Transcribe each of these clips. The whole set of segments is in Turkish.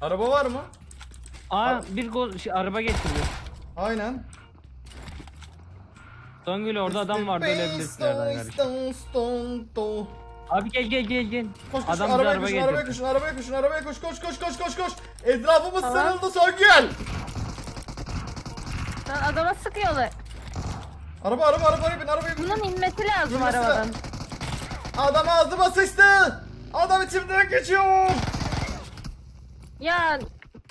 Araba var mı? Bir gol araba getiriyor. Aynen. Songül orada adam vardı ölebilirsin herhalde kardeşim. Abi gel. Koş Adam bize arabaya araba koşun, getirdi. arabaya koş, koş. Etrafımız sarıldı Songül. Lan adama sıkıyorlar. Arabaya bin. Bunun inmesi lazım İnmesi arabadan. Adam ağzıma sıçtı. Adam içimden geçiyor. Ya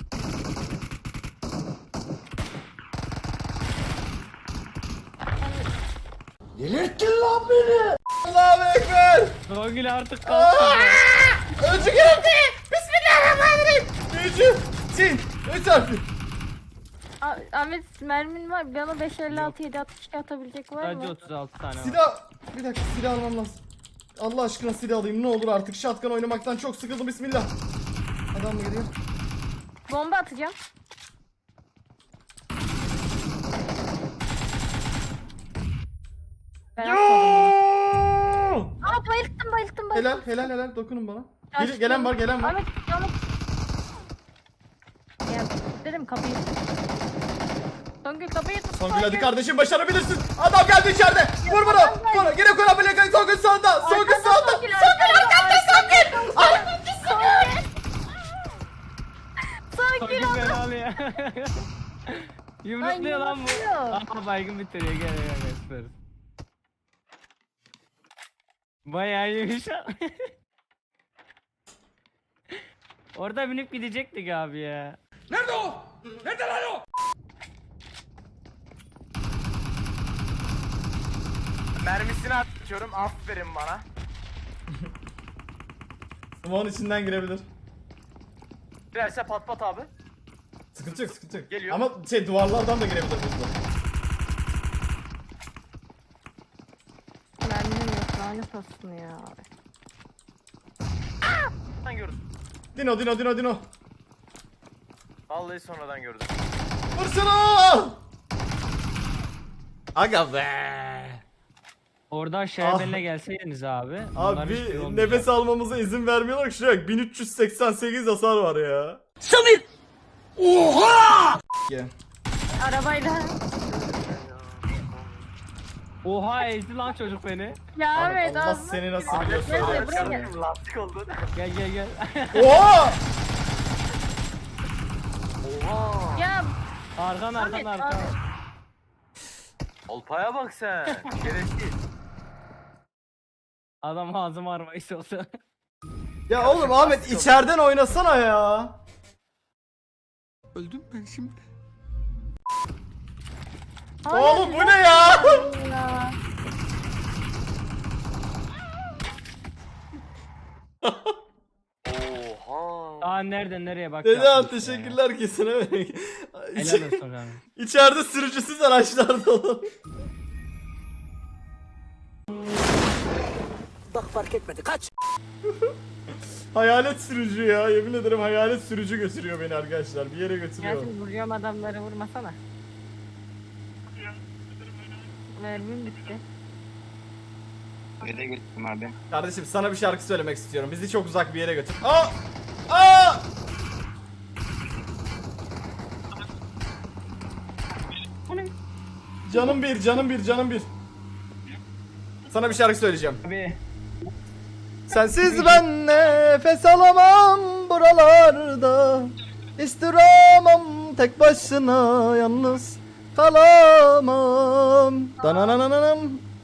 Delirttin lan beni. Allahu Ekber. Songül artık kalktı. Öcü geldi. Bismillahirrahmanirrahim. Öcü. Sin. Üç harfli. Ahmet mermin var. Bana 556 762 atabilecek var Sadece mı? 36 tane var. Silah. Bir dakika silah almam lazım. Allah aşkına silah alayım ne olur artık. Shotgun oynamaktan çok sıkıldım. Bismillah. Adam mı geliyor? Bomba atacağım. Ben atmadım bunu. Aa bayılttım. Helal. Dokunun bana. Kaçtım. Gelen var. Ahmet. Gel dedim kapıyı. Songül kapıyı tut. Songül hadi kardeşim başarabilirsin. Adam geldi içeride. Vur bunu. Vur. Gene koy abone. Songül sağda. Songül sağda. Songül arkanda. Songül. Songül Songül beni alıyor. Yumrukluyor lan bu. yumrukluyor. Aha baygın bitiriyor gel süper. Bayağı iyiymiş ha. Orada binip gidecektik abi ya. Nerede o? Nerede lan o? Mermisini atıyorum, aferin bana. Smoke'un içinden girebilir. Girerse pat pat abi. Sıkıntı yok. Geliyor. Ama duvarlardan da girebilir burada. Mermim yok lanet olsun ya. Sonradan gördüm. Dino. Vallahi sonradan gördüm. Vursana! Aga be. Orada aşağıya benimle gelseydiniz abi. bunların Abi hiçbiri olmayacak. nefes almamıza izin vermiyorlar ki şuraya 1388 hasar var ya. Arabayla. Oha ezdi lan çocuk beni. Ya evet Allah ağzına seni nasıl tüküreyim. biliyorsun Gel öyle buraya bir gel. Lastik oldu. Gel. Oha! Oha. Ya Arkan. Ahmet. Olpaya bak sen. Şerefsiz. Adam ağzım armayız olsa. Ya oğlum Ahmet içeriden oynasana ya. Oğlum bu ne ya? Ya. Oha. Aa nereye bak. Dede yapmışsın teşekkürler kesene. ya. Helal olsun abi. İçeride sürücüsüz araçlar dolu. Bak fark etmedi kaç. Hayalet sürücü ya. Yemin ederim hayalet sürücü götürüyor beni arkadaşlar. Bir yere götürüyor. Yasin vuruyorum adamları vurmasana. Mermim bitti. Nereye gittim abi? Kardeşim sana bir şarkı söylemek istiyorum. Bizi çok uzak bir yere götür. Aa! Canım bir. Sana bir şarkı söyleyeceğim. Abi Sensiz ben nefes alamam buralarda. İstiremem tek başına yalnız kalamam. Dananananam.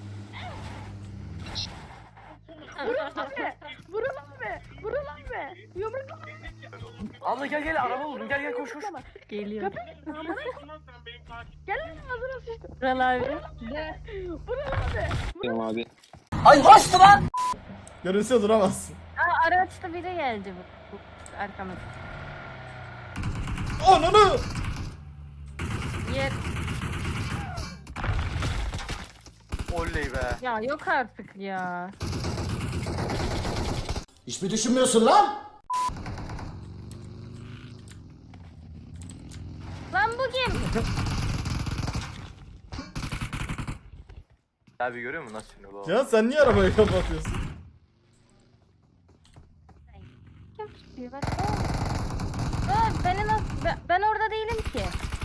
Vuralım be. Yumrukla. Abla gel araba buldum. Gel koş. Geliyor. Gel lan ağzına sıçtım. Vural abi. Tamam abi. Ay hoştu lan. Görünse duramazsın. Aa araçta biri geldi bu arkamızda. Ananı! Yer. Oley be. Ya yok artık ya. Hiç mi düşünmüyorsun lan? Lan bu kim? Abi görüyor musun nasıl şimdi bu? Ya sen niye arabayı kapatıyorsun? Kim tutuyor bak. Aa! Ben orada değilim ki.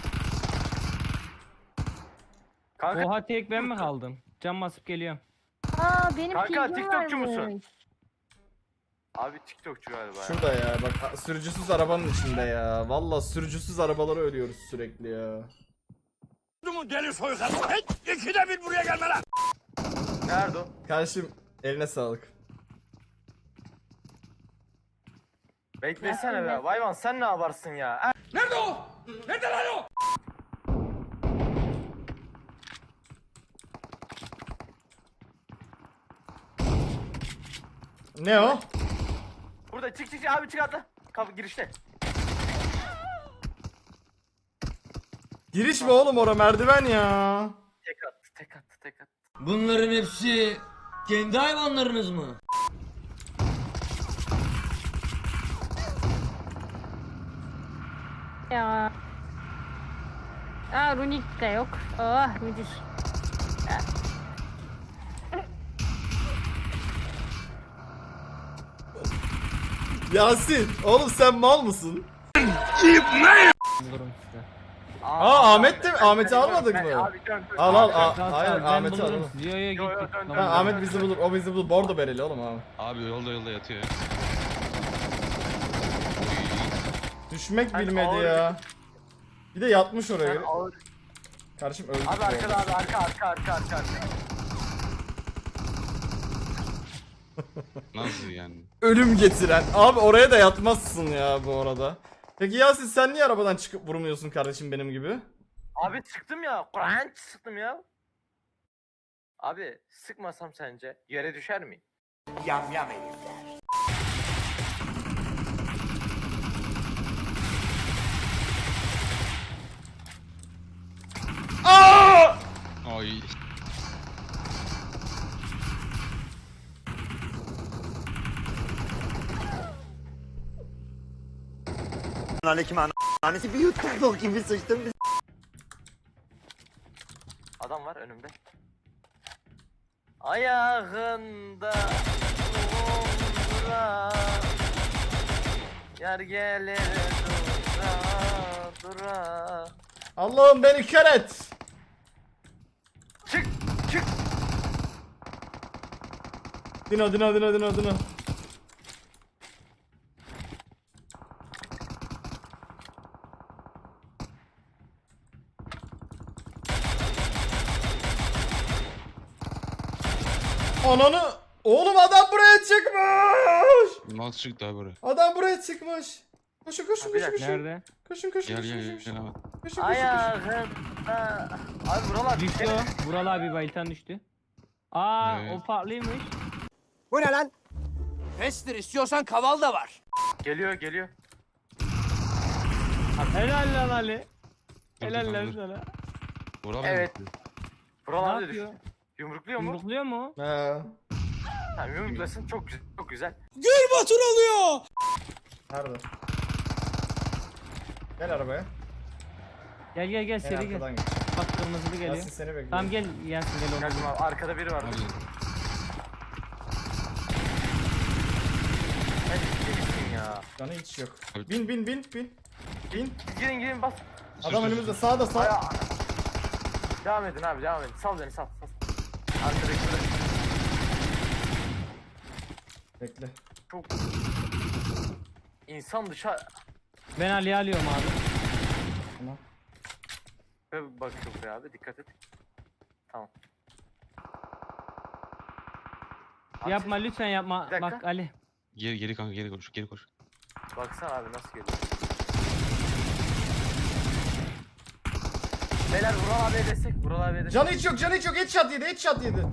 Kanka, Oha tek ben mi kaldım? Cam basıp geliyorum. Aa benim Kanka, pingim TikTokçu musun? varmış. abi TikTokçu galiba ya. Şurada ya bak sürücüsüz arabanın içinde ya. Valla sürücüsüz arabalara ölüyoruz sürekli ya. Deli soykanı. İkide bir buraya gelme lan. Nerede o? Kardeşim eline sağlık. Beklesene be. Vayvan sen ne yaparsın ya? Nerede o? Nerede lan o? Ne o? Burada çık abi çık atla. Kapı girişte. Giriş mi oğlum ora merdiven ya. Tek attı. Bunların hepsi kendi hayvanlarınız mı? Ya. Aa runik de yok. Oh müthiş. Yasin oğlum sen mal mısın? Bulurum size. Aa, Ahmet de mi? Ahmet'i almadık mı? Abi dön. Al al Sağ ol, hayır sağ ol, ben Ahmet'i bulurum alalım. sizi. Yo yo Yo, yo, gittik. dön, Tamam, Ha, Ahmet bizi bulur o bizi bulur bordo bereli oğlum abi. Abi yolda yatıyor ya. Düşmek Sen bilmedi ağır- ya. Bir de yatmış oraya. Sen ağır- Kardeşim öldük. Abi bu arkada arada. abi arka. Nasıl yani? Ölüm getiren. Abi oraya da yatmazsın ya bu arada. Peki Yasin sen niye arabadan çıkıp vurmuyorsun kardeşim benim gibi? Abi çıktım ya. Kur'an sıktım ya. Abi sıkmasam sence yere düşer miyim? Yam herifler. Aa! Ay. Aleyküm annesi bir yuttuk gibi sıçtım. Adam var önümde. Ayağında dura yer gelir dura. Allah'ım beni kör et. Çık. Dino. Ananı. Oğlum adam buraya çıkmış. Nasıl çıktı abi buraya? Adam buraya çıkmış. Koşun. Bir dakika, Nerede? Koşun. Gel abi. Koşun. Ayağında. Abi buralar Düştü o. Vural abi bayıltan düştü. Aa Evet. o farklıymış. Bu ne lan? Pestir istiyorsan kaval da var. Geliyor. Helal lan Ali. Dur, Helal dur, lan dur. sana. Vural Evet. mı? Buralar Ne da düştü. yapıyor? Yumrukluyor mu? Yumrukluyor mu? He. Tamam yumruklasın çok güzel. Batur alıyor. Nerede? Gel arabaya. Gel En seri gel. arkadan geç. Bak kırmızılı geliyor. Yasin seni bekliyor. Tamam gel Yasin gel oğlum. Geldim abi arkada biri var. Abi. Hadi gitsin ya. Canı hiç yok. Evet. Bin. Gidin bas. Adam önümüzde sağda sağ. Aya. Devam edin abi devam edin. Sal beni sal. Arkadaki Bekle. çok insan dışarı Ben Ali'yi alıyorum abi. Tamam. ve bakıyor buraya abi dikkat et. Tamam. Yapma lütfen yapma. Bir dakika. Bak Ali. Geri kanka geri koş. Baksana abi nasıl geliyor. Beyler Vural abiye destek. Vural abiye destek. Canı hiç yok. Headshot yedi.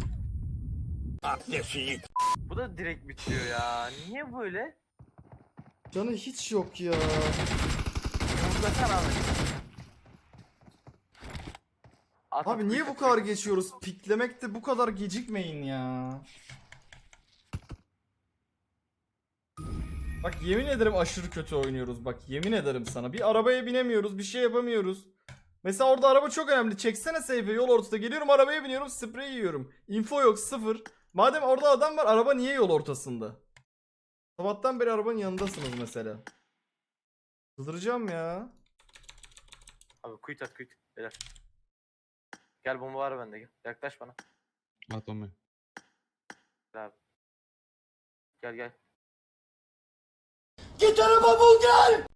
Bu da direkt bitiyor ya. Niye böyle? Canı hiç yok ya. Yumruklasana abi. Abi niye bu kadar geçiyoruz? Piklemekte bu kadar gecikmeyin ya. Bak yemin ederim aşırı kötü oynuyoruz. Bak yemin ederim sana. Bir arabaya binemiyoruz, bir şey yapamıyoruz. Mesela orada araba çok önemli. Çeksene seyfe yol ortasında. Geliyorum arabaya biniyorum, sprey yiyorum. Info yok, sıfır. Madem orada adam var, araba niye yol ortasında? Sabahtan beri arabanın yanındasınız mesela. Sızdıracağım ya. Abi kuyut at kuyut. Beyler. Gel bomba var bende gel. Yaklaş bana. At bombayı. Gel abi. Gel gel. Git araba bul gel.